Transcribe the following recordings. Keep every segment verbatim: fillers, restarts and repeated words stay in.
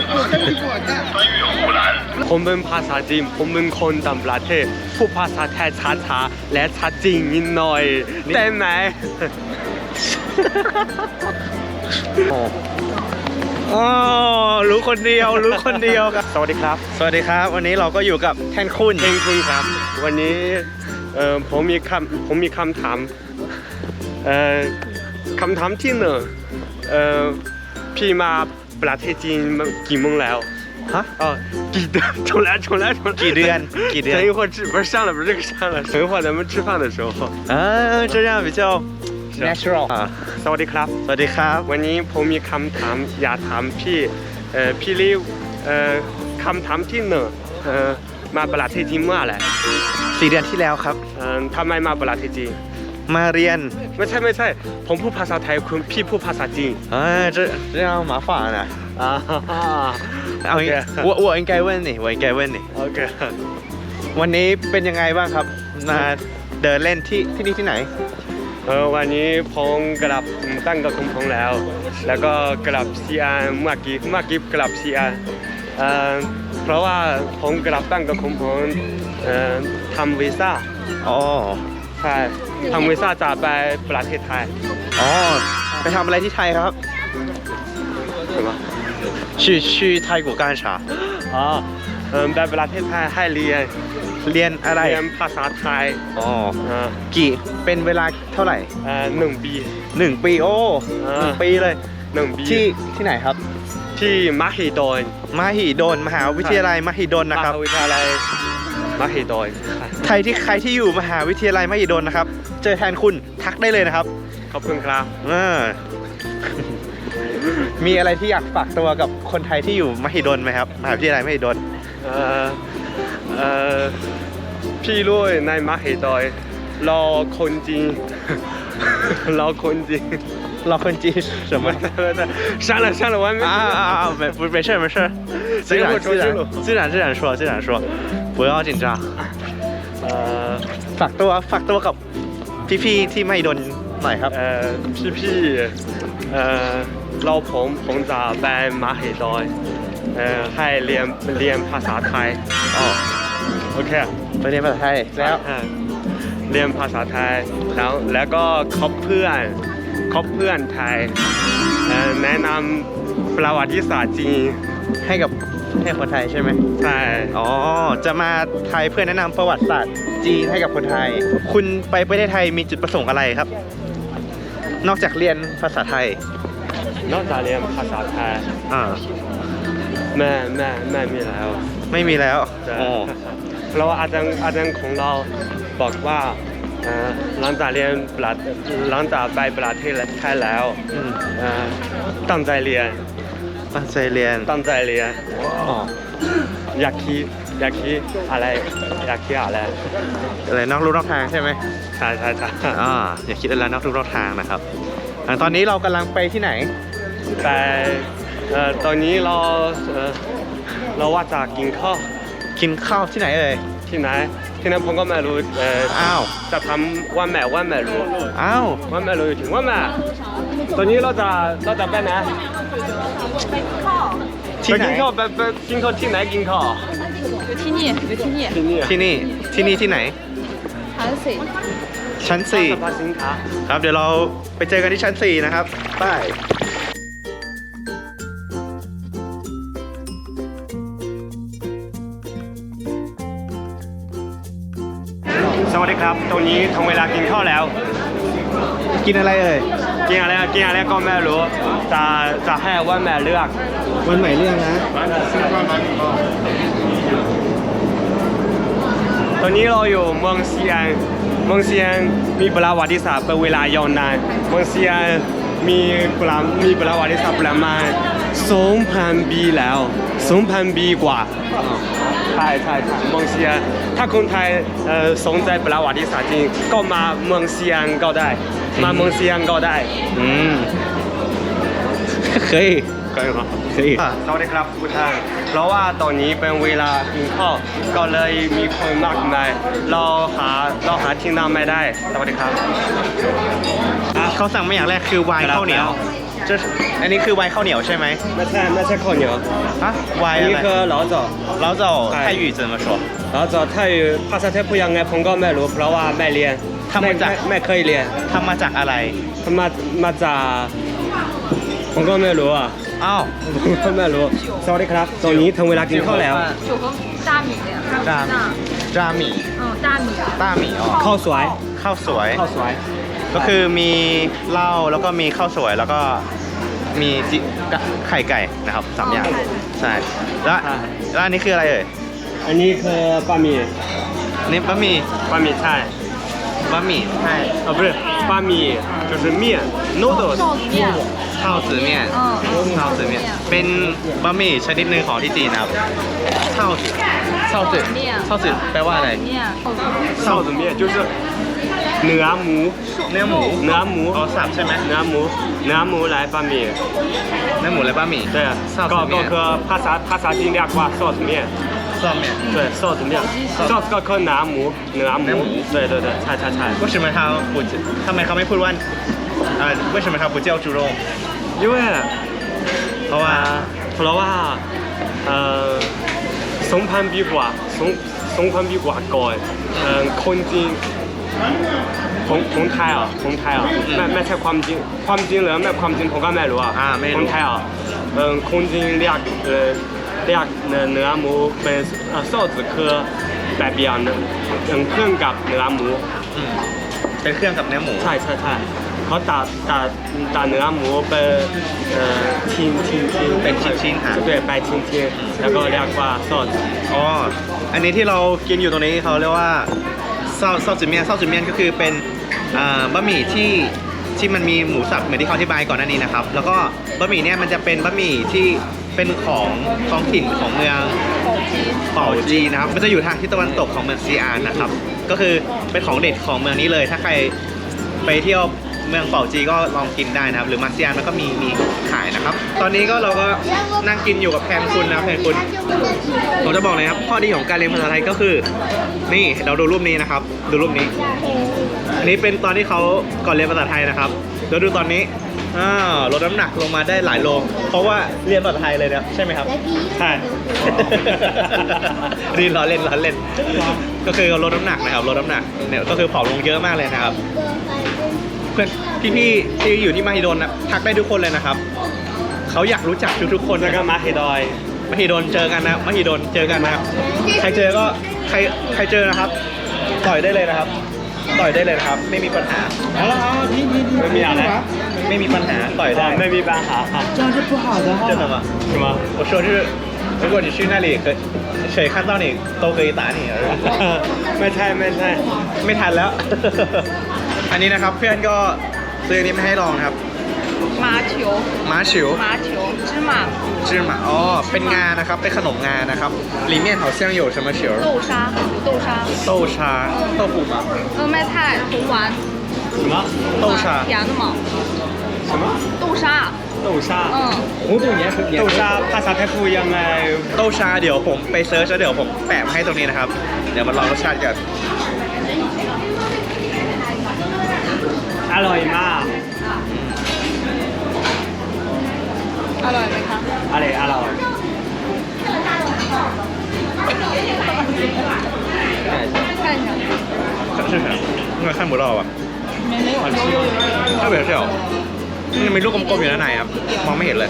ผมเป็นภาษาจีนผมเป็นคนต่างประเทศพูดภาษาไทยช้าๆและชัดจริงนิดหน่อยได้ไหมอ๋อรู้คนเดียวรู้คนเดียวครับสวัสดีครับสวัสดีครับวันนี้เราก็อยู่กับแทนคุณเองคุณครับวันนี้เอ่อผมมีคำผมมีคำถามเอ่อคำถามที่หนึ่งเอ่อพี่มาประเทศจีนมากี่โมงแล้วฮะ哦，几点？重来，重来，重来。 几เดือนกี่เดือน等一会儿吃，不是上了，不是这个上了。等一会儿咱们吃饭的时候。 อ่า这样比较 natural อ่าสวัสดีครับสวัสดีครับวันนี้ผมมีคำถามอยากถามพี่เอ่อพี่ลิวเอ่อคำถามที่หนึ่งเอ่อมาประเทศจีนเมื่อไหร่สี่เดือนที่แล้วครับเอ่อทำไมมาประเทศจีนมาเรียนไม่ใช่ไม่ใช่ผมพูดภาษาไทยคุณพี่พูดภาษาจีนอ่า这这样麻烦啊อ่าเอางี้我我应该问你我应该问你โอเควันนี้เป็นยังไงบ้างครับมาเดินเล่นที่ที่นี่ที่ไหนเออวันนี้ผมกลับตั้งกับคุณพงแล้วแล้วก็กลับซีแอนเมื่อกี้เมื่อกี้กลับซีแอนเอ่อเพราะว่าผมกลับตั้งกับคุณพงเอ่อทำวีซ่าอ๋อใช่ทำวีซ่าจะไปประเทศไทยอ๋อไปทำอะไรที่ไทยครับ什么去去泰国干啥อ๋อเออไปประเทศไทยให้เรียนเรียนอะไรเรียนภาษาไทยอ๋ออ่ากี่เป็นเวลาเท่าไหร่เอ่อหนึ่งปีหนึ่งปีโอ้หนึ่งปีเลยหนึ่งปีที่ที่ไหนครับที่มหิดลมหิดลมหาวิทยาลัยมหิดลนะครับมหาวิทยาลัยมหิดลใครที่ใครที่อยู่มหาวิทยาลัยมหิดลนะครับเจอแทนคุณทักได้เลยนะครับขอบคุณครับอ่ามีอะไรที่อยากฝากตัวกับคนไทยที่อยู่มหิดลไหมครับมหาวิทยาลัยมหิดลเอ่อเอ่อพี่ลุยในมหิดลรอคนจีนรอคนจีนรอคนจีน什么删了删了我还没啊啊啊没不没事没事自然自然自然自然说自然说不要紧张เอ่อฝากตัวฝากตัวกับพี่ๆที่มหิดลหน่อยครับเอ่อพี่ๆเอ่อเราผมผมจะไปมหิดลเอ่อให้เรียนเรียนภาษาไทยอ๋อโอเคไปเรียนภาษาไทยแล้วเรียนภาษาไทยแล้วแล้วก็คบเพื่อนคบเพื่อนไทยแนะนำประวัติศาสตร์จีนให้กับให้คนไทยใช่ไหมใช่อ๋อจะมาไทยเพื่อแนะนำประวัติศาสตร์จีนให้กับคนไทยคุณไปประเทศไทยมีจุดประสงค์อะไรครับนอกจากเรียนภาษาไทยนอกจากเรียนภาษาไทยอ่าแม่แม่แม่มีแล้วไม่มีแล้วอ๋อเราอาจารย์อาจารย์ของเราบอกว่าหลังจากเรียนหลังจากไปประเทศไทยแล้วตั้งใจเรียนตั้งใจเรียนตั้งใจเรียนอ๋ออยากคิดอยากคิดอะไรอยากคิดอะไรอะไรนอกลู่นอกทางใช่ไหมใช่ใช่ใช่อ่าอยากคิดอะไรนอกลู่นอกทางนะครับตอนนี้เรากำลังไปที่ไหนแต่ตอนนี้เราเราว่าจะกินข้าวกินข้าวที่ไหนเอ่ยที่ไหนที่นั้นผมก็ไม่รู้เอออ้าวจะทำว่าแม่ว่าแม่รู้อ้าวว่าแม่รู้อยู่ถึงว่าแม่ตอนนี้เราจะเราจะไปไหนไปกินข้าวที่ไหนกินข้าวไปไปกินข้าวที่ไหนกินข้าวอยู่ที่นี่อยู่ที่นี่ที่นี่ที่นี่ที่นี่ที่ไหนชั้นสี่ชั้นสี่ครับเดี๋ยวเราไปเจอกันที่ชั้นสี่นะครับไปสวัสดีครับตรงนี้ถึงเวลากินข้าวแล้วกินอะไรเอ่ยกินอะไรกินอะไรก็ไม่รู้จะจะให้ว่าแม่เลือกวันใหม่เรื่องนะตอนนี้เราอยู่เมืองซีแอนเมืองซีแอนมีประวัติศาสตร์เป็นเวลายาวนานเมืองซีแอนมีประมีประวัติศาสตร์ประมาณสองพันปีแล้วสองพันปีกว่าใช่ใช่ใช่เมืองซีแอนถ้าคนไทยเอ่อสนใจประวัติศาสตร์จริงก็มาเมืองซีแอนก็ได้มาเมืองซีแอนก็ได้อืมเคยเคยครับเคยสวัสดีครับทุกท่านเพราะว่าตอนนี้เป็นเวลากินข้าวก็เลยมีคนมากมายเราหาเราหาที่นั่งไม่ได้สวัสดีครับเขาสั่งมาอย่างแรกคือไวน์ข้าวเหนียวจะอันนี้คือไวน์ข้าวเหนียวใช่ไหมไม่ใช่ไม่ใช่ข้าวเหนียวฮะไวอัน์นอะนี้ไรคือ老枣เราจะใช่ไทย语怎么说老枣ไทยภาษาไทยพูดยังไงผมก็ไม่รู้เพราะว่าไม่เรียนทำมาจากไไม่เคยเรียนทำมาจากอะไรมามาจากผมก็ไม่รู้อ่ะอ้าวผมก็ไม่รู้สวัสดีครับตอนนี้ถึงเวลากินข้าวแล้ว酒和大米的呀。 จามจาหมี่嗯，大米。 ต้าหมี่อ๋อข้าวสวยข้าวสวยข้าวสวยก็คือมีเหล้าแล้วก็มีข้าวสวยแล้วก็มีจิไข่ไก่นะครับสามอย่างใช่แล้วแล้วอันนี้คืออะไรเอ่ยอันนี้คือบะหมี่อันนี้บะหมี่บะหมี่ใช่บะหมี่ใช่哦不是บะหมี่就是面 noodles 臊子面。 ข้าวจือเมี่ยน嗯。 ข้าวจือเมี่ยนเป็นบะหมี่ชนิดหนึ่งของที่จีนนะครับข้าวจือข้าวจือข้าวจือแปลว่าอะไร面。 臊子面就是เนื้อหมูเนื้อหมูเนื้อหมูเอาสับใช่ไหมเนื้อหมูเนื้อหมู来บะหมี่เนื้อหมูและบะหมี่对臊子面ก็ก็คือภาษาภาษาจีนเรียกว่า臊子面ซ่อมเนี่ย对臊子面臊子ก็คือเนื้อหมูเนื้อหเนื้อมูหมู对对对ใช่ใช่ใช่为什么他不ทำไมเขาไม่พูดว่าอ่า为什么他不叫猪肉因为เพราะว่าเพราะว่าเอ่อสงพันปีกว่าสงสงพันปีกว่าก่อนเอ่อคนจีนของของไทยอ่ะของไทยอ่ะไม่ไม่ใช่ความจริงความจริงหรือไม่ความจริงผมก็ไม่รู้อ่ะอ่าไม่รู้คนไทยอ่ะเอ่อคนจีนเรียกเอ่อเรียกเนื้อเนื้อหมูเป็นเอ่อ臊子คือแบบเดียวเนื้อเอ่อเครื่องกับเนื้อหมูอืมเป็นเครื่องกับเนื้อหมูใช่ใช่ใช่เขาตัดตัดตัดเนื้อหมูเป็นเอ่อชิ้นชิ้นชิ้นเป็นชิ้นๆอ่ะ对ไปชิ้นชิ้นแล้วก็เรียกว่า臊子อ๋อ อันนี้ที่เรากินอยู่ตรงนี้เขาเรียกว่าเซาเซาจือเมียนเซาจือเมียนก็คือเป็นอ่าบะหมี่ที่ที่มันมีหมูสับเหมือนที่เขาอธิบายก่อนหน้านี้นะครับ แล้วก็บะหมี่เนี่ยมันจะเป็นบะหมี่ที่เป็นของท้องถิ่นของเมืองเป่าจีนะครับ มันจะอยู่ทางทิศตะวันตกของเมืองซีอานนะครับ ก็คือเป็นของเด็ดของเมืองนี้เลย ถ้าใครไปเที่ยวเมืองเป่าจีก็ลองกินได้นะครับ หรือมาซีอานมันก็มีมีขายนะครับ ตอนนี้ก็เราก็นั่งกินอยู่กับแพนคุณนะแพนคุณ ผมจะบอกเลยครับข้อดีของการเรียนภาษาไทยก็คือ นี่เราดูรูปนี้นะครับ ดูรูปนี้ อันนี้เป็นตอนที่เขาก่อนเรียนภาษาไทยนะครับแล้วดูตอนนี้อ่าลดน้ำหนักลงมาได้หลายโลเพราะว่าเรียนภาษาไทยเลยนะใช่ไหมครับใช่ดีล้อเล่นล้อเล่น ก็คือลดน้ำหนักนะครับลดน้ำหนักเนี่ยก็คือผอมลงเยอะมากเลยนะครับ เพื่อนพี่ๆที่อยู่ที่มหิดลนะทักได้ทุกคนเลยนะครับเขาอยากรู้จักทุกๆคนแล้วนะคก็รับมาเฮดอยมหิดลเจอกันนะมหิดลเจอกันนะครับใครเจอก็ใครใครเจอนะครับ ต่อยได้เลยนะครับ ต่อยได้เลยนะครับ ไม่มีปัญหาไม่มีอะไรไม่มีปัญหาต่อยได้ไม่มีปัญหาค่ะ这样是不好的真的吗是吗我说就是如果你去那里可谁看到你都可以打你ไม่ใช่ไม่ใช่ไม่ทันแล้ว อันนี้นะครับเพื่อนก็ซื้ออันนี้มาให้ลองนะครับ麻球。 ม้าฉิว麻球。芝麻。 จือหมาอ๋อเป็นงานะครับเป็นขนมงานะครับ里面好像有什么球豆沙。豆沙。 豆沙豆腐吗呃，麦菜。红丸。 什么豆沙甜的嘛。 什么豆沙。 豆沙嗯。 红豆年豆沙ภาษาไทยพูดยังไงโต้ชาเดี๋ยวผมไปเซิร์ชแล้วเดี๋ยวผมแปะมาให้ตรงนี้นะครับ เดี๋ยวมาลองรสชาติกันอร่อยมากอร่อยไหมคะอร่อยอร่อย看一下。 看是啥应该看不到吧没没有肉肉有ถ้าเบลเชียวมันมีลูกกลมๆอยู่ด้านในครับ มองไม่เห็นเลย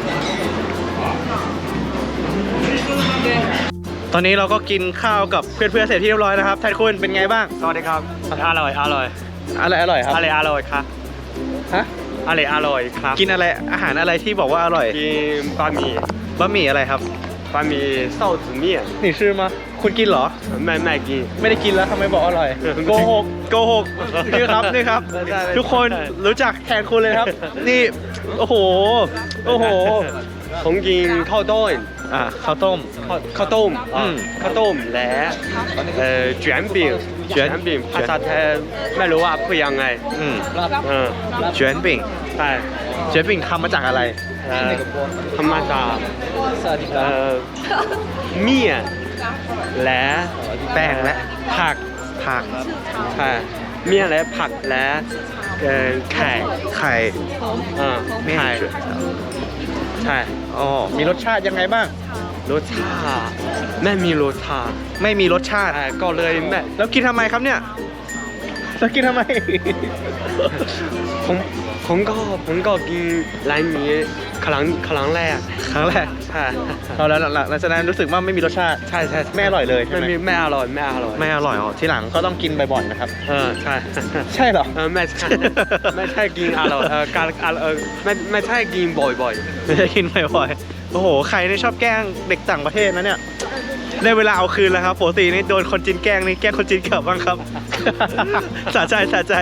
ตอนนี้เราก็กินข้าวกับเพื่อนๆเสร็จที่เรียบร้อยนะครับไทยคุณเป็นไงบ้างสวัสดีครับอร่อยอร่อยอะไรอร่อยครับอร่อยอร่อยครับฮะอร่อยอร่อยครับกินอะไรอาหารอะไรที่บอกว่าอร่อยกินบะหมี่บะหมี่อะไรครับบะหมี่臊子面นี่ชื่อมาคุณกินเหรอไม่ไม่กินไม่ได้กินแล้วทำไมบอกอร่อย โกหกโกหกนี่ครับนี่ครับไม่ได้ทุกคนรู้จักแทนคุณเลยครับ นี่โอ้โหโอ้โหผมกินข้าวต้มอ่ะข้าวต้มข้าวข้าวต้มอืมข้าวต้มและเอ่อ卷饼卷饼ภาษาไทยไม่รู้ว่าพูดยังไงอืมเออเจียนปิ่งใช่เจียนปิ่งทำมาจากอะไรเอ่อทำมาจากเอ่อเมี่ยนและแป้งและผักผักใช่เมี่ยนและผักและเอ่อไข่ไข่เออไม่ไข่เฉื่อยใช่อ๋อมีรสชาติยังไงบ้างรสชาติไม่มีรสชาติไม่มีรสชาติใช่ก็เลยแม่แล้วกินทำไมครับเนี่ยแล้วกินทำไมผมผมก็ผมก็กินร้านนี้ครั้งครั้งแรกครั้งแรกใช่เราแล้วหลังหลังจากนั้นรู้สึกว่าไม่มีรสชาติใช่ใช่ไม่อร่อยเลยใช่ไหมไม่มีไม่อร่อยไม่อร่อยไม่อร่อยอ๋อทีหลังก็ต้องกินบ่อยๆนะครับเออใช่ใช่เหรอเออไม่ใช่ไม่ใช่กินอร่อยเออการเออไม่ไม่ใช่กินบ่อยไม่ได้กินบ่อยๆโอ้โหใครนี่ชอบแกล้งเด็กต่างประเทศนะเนี่ยได้เวลาเอาคืนแล้วครับปกตินี่โดนคนจีนแกล้งนี่แกล้งคนจีนกลับบ้างครับ สะใจสะใจ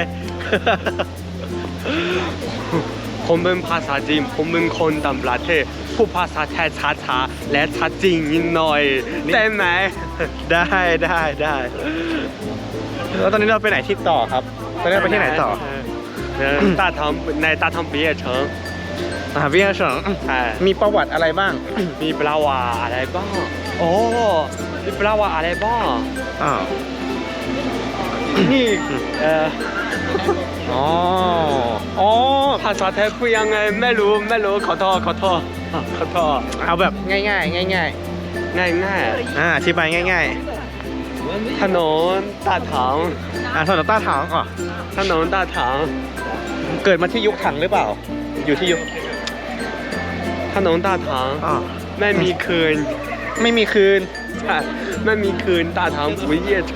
ๆผมเป็นภาษาจีนผมเป็นคนต่างประเทศพูดภาษาไทยช้าๆและชัดจริงนิดหน่อยได้ไหมได้ได้ได้แล้วตอนนี้เราไปไหนที่ต่อครับตอนนี้เราไปที่ไหนต่อเออ大唐ใน大唐毕业城มหาวิทยาลัยเฉิงใช่มีประวัติอะไรบ้างมีปลาวาอะไรบ้างโอ้มีปลาวาอะไรบ้างอ่านี่เอ่ออ๋ออ๋อภาษาไทยพูดยังไงไม่รู้ไม่รู้ขอโทษขอโทษขอโทษเอาแบบง่ายๆง่ายง่ายง่ายๆอ่าอธิบายง่ายๆถนน大唐ๆอ่าถนนต้าถางก่อนถนน大唐เกิดมาที่ยุคถังหรือเปล่า อยู่ที่ยุคถนน大唐อ่าไม่มีคืนไม่มีคืนใช่ไม่มีคืน大唐不夜城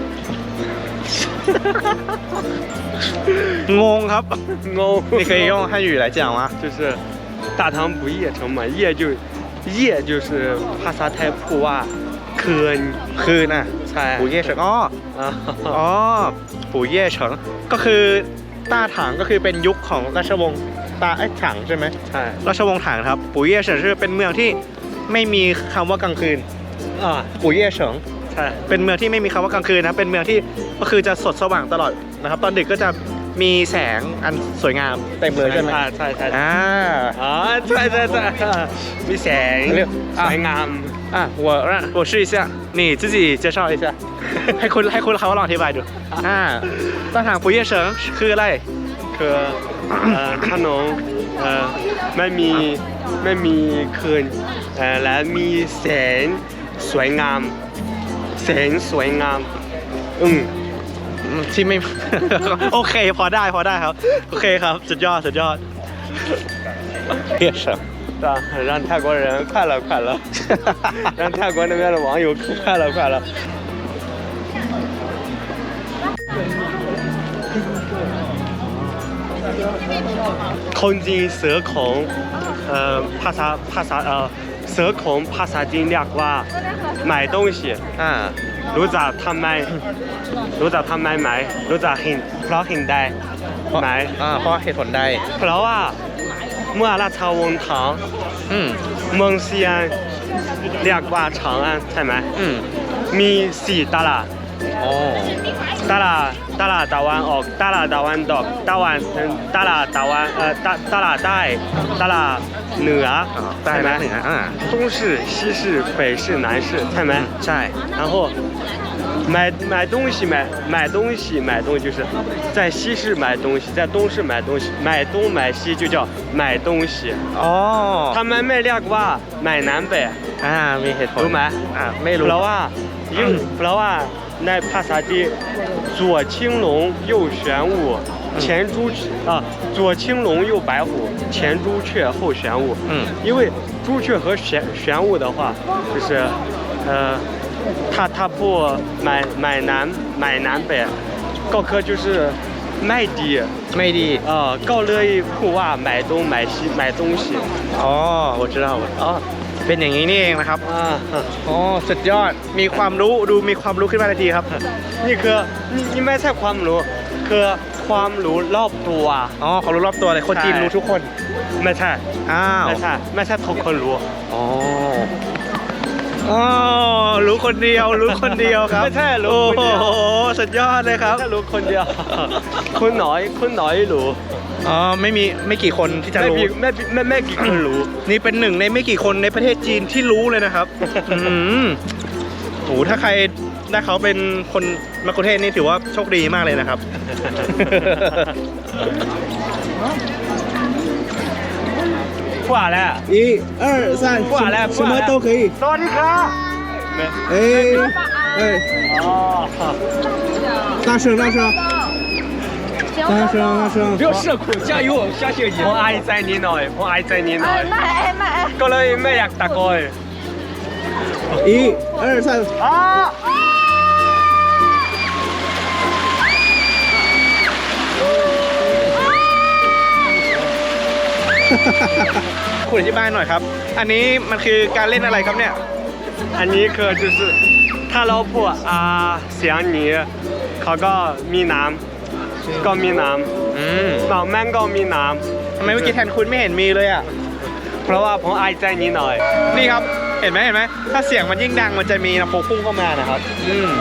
งงครับงง你可以用汉语来讲吗？ 就是大唐不夜城嘛夜就夜就是ภาษาไทยพูดว่าคืนคืนอ่ะใช่ปู่เย่เฉิงอ๋ออ่าอ๋อปู่เย่เฉิงก็คือต้าถางก็คือเป็นยุคของราชวงศ์ต้าไอ้ยถังใช่ไหมใช่ราชวงศ์ถังครับปู่เย่เฉิงคือเป็นเมืองที่ไม่มีคำว่ากลางคืนอ่าปู่เย่เฉิงใช่เป็นเมืองที่ไม่มีคำว่ากลางคืนนะเป็นเมืองที่ก็คือจะสดสว่างตลอดนะครับ ตอนดึกก็จะมีแสงอันสวยงามเต็มเลยใช่ไหมอ่าใช่ใช่อ่าอ่าใช่ใช่ใช่มีแสงเรียกสวยงามอ่ะ我让我试一下你自己介绍一下 ให้คุณให้คุณเขาลองอธิบายดูอ่าต้าถางปู่เย่เฉิงคืออะไรคือเอ่อถนนเอ่อไม่มีไม่มีคืนเอ่อและมีแสงสวยงามแสงสวยงามอืมที่ไม่ โอเคพอได้พอได้ครับ โอเคครับสุดยอดสุดยอดเพียเฉิง对吧？让泰国人快乐快乐，让泰国那边的网友快乐快乐。空金蛇孔，呃，ภาษาภาษา呃，蛇孔ภาษาจีนเรียกว่า买东西อ่ารู้จักทำไมรู้จักทำไมไหมรู้จักเห็นเพราะเห็นได้ไหมอ่าเพราะเหตุผลใดเพราะว่าเมื่อราชวงศ์ถังอืมเมืองเซียนเรียกว่า長安ใช่ไหมอืมมีสี่ตลาดอ๋อตลาดตลาดตะวันออกตลาดตะวันตกตะวันตลาดตะวันเอ่อตตลาดใต้ตลาดเหนืออ๋อใต้ใช่ไหมและเหนืออ่า东市西市北市南市ใช่ไหมใช่然后买买东西买买东西买东西就是在西市买东西在东市买东西买东买西就叫买东西อ๋อ他们ไม่เรียกว่า买南北อ่ามีเหตุผลรู้ไหมอ่าไม่รู้เพราะว่ายิ่งเพราะว่าในภาษาจีน左青龙右玄武前朱啊左青龙右白虎前朱雀后玄武嗯因为朱雀和玄玄武的话就是呃他他不买买南买南北ก็คือ就是ไม่ดีไม่ดีเอ่อก็เลยพูดว่า买东买西买东西อ๋อ我知道อ๋อเป็นอย่างนี้นี่เองนะครับอ่าอ๋อสุดยอดมีความรู้ดูมีความรู้ขึ้นมาทันทีครับนี่คือนี่นี่ไม่ใช่ความรู้คือความรู้รอบตัวอ๋อความรู้รอบตัวเลยคนจีนรู้ทุกคนไม่ใช่อ้าวไม่ใช่ไม่ใช่ทุกคนรู้อ๋ออ๋อรู้คนเดียวรู้คนเดียวครับไม่ใช่รู้คนเดียวโอ้โหสุดยอดเลยครับไม่ใช่รู้คนเดียวคนน้อยคนน้อยรู้อ๋อไม่มีไม่กี่คนที่จะไม่รู้มีไม่ไม่ไม่กี่คนรู้นี่เป็นหนึ่งในไม่กี่คนในประเทศจีนที่รู้เลยนะครับ อืมโหถ้าใครได้เขาเป็นคนมะกุเทศนี่ถือว่าโชคดีมากเลยนะครับ不好了， 一二三， 不好了， 什么都可以。 สวัสดีครับ没哎哎， 哦， 大声大声大声大声！ 不要社恐，加油，相信你。我愛在你內，我愛在你內。 ไม่ไม่ก็เลยไม่อยากตะโกน一二三， อ๋อคุณอธิบายหน่อยครับ อันนี้มันคือการเล่นอะไรครับเนี่ยอันนี้คือ就是ถ้าเราพูดอ่าเสียงนี้เขาก็มีน้ำก็มีน้อืมำน้องแม่งก็มีน้ทำไมเมื่อกี้แทนคุณไม่เห็นมีเลยอ่ะำเพราะว่าผมอายใจนิดหน่อยนี่ครับ เห็นไหมเห็นไหมถ้าเสียงมันยิ่งดังมันจะมีน้ำโพพุ่งเข้ามานะครับ อืม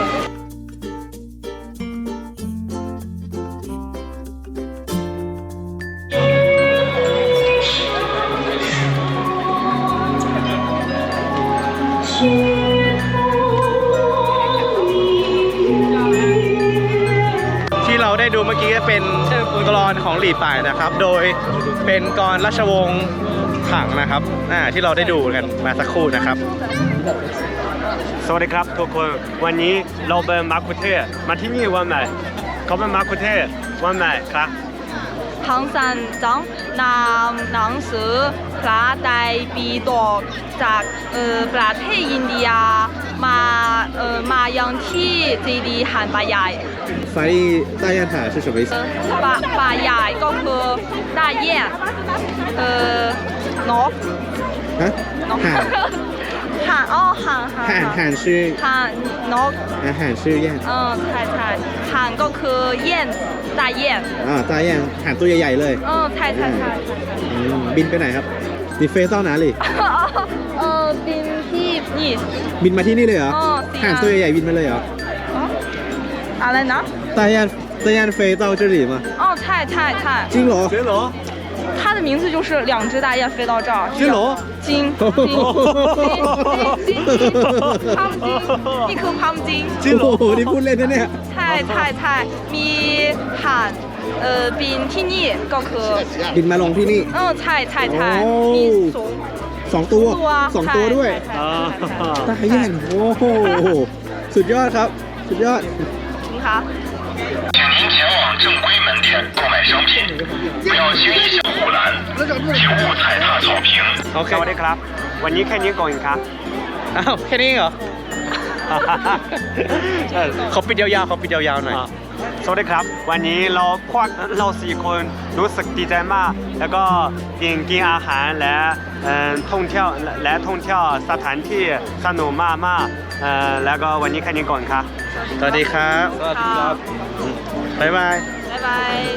ที่เราได้ดูเมื่อกี้ก็เป็นกลอนของหลี่ป่ายนะครับ โดยเป็นกลอนราชวงศ์ถังนะครับอ่าที่เราได้ดูกันมาสักครู่นะครับสวัสดีครับทุกคนวันนี้เราเป็นมาคุเทศมาที่นี่วันไหนเขาเป็นมาคุเทศวันไหนครับ唐三藏นำหนังสือพระไตรปิฎกจากเอ่อประเทศอินเดียมาเอ่อมายังที่เจดีย์หันป่าใหญ่翻译大雁塔是什么意思？ ป่าป่าใหญ่ก็คือ大雁เอ่อนก啊， นก喊ห่านอ้อห่านห่าน喊喊是ห่านนก啊喊是雁เออใช่ใช่ห่านก็คือเย่น大雁啊大雁喊ตัวใหญ่ๆเลยเออใช่ใช่ใช่ใช่อืมบินไปไหนครับ你飞到哪里เออบินที่นี่บินมาที่นี่เลยเหรออ๋อจริงอ่ะห่านตัวใหญ่ๆบินมาเลยเหรออะไรนะ大雁大雁飞到这里吗哦，太太太， จริงเหรอเจ๊เหรอ它的名字就是两只大雁飞到这儿。 金龙金金金金พัมจิงนี่คือพัมจิงจริงเหรอโอ้โหนี่พูดเล่นนะเนี่ยใช่ใช่ใช่มีห่านเอ่อบินที่นี่ก็คือบินมาลงที่นี่เออใช่ใช่ใช่โอ้มีสองสองตัวตัวสองตัวด้วยใช่ใช่ใช่ใช่ตาแย่นโอ้โหสุดยอดครับ สุดยอด你好。 请您前往正规门店购买商品，不要轻易向护栏，请勿踩踏草坪。 โอเคสวัสดีครับ วันนี้แค่นี้ก่อนครับอ้าวแค่นี้เหรอ เขาปิดยาวๆเขาปิดยาวๆหน่อยอ่าสวัสดีครับ วันนี้เราพวกเราสี่คนรู้สึกดีใจมาก แล้วก็กินกินอาหารและเอ่อท่องเที่ยวและและท่องเที่ยวสถานที่สนุกมากมากๆเอ่อแล้วก็วันนี้แค่นี้ก่อนครับสวัสดีครับสวัสดีครับบ๊ายบาย拜拜。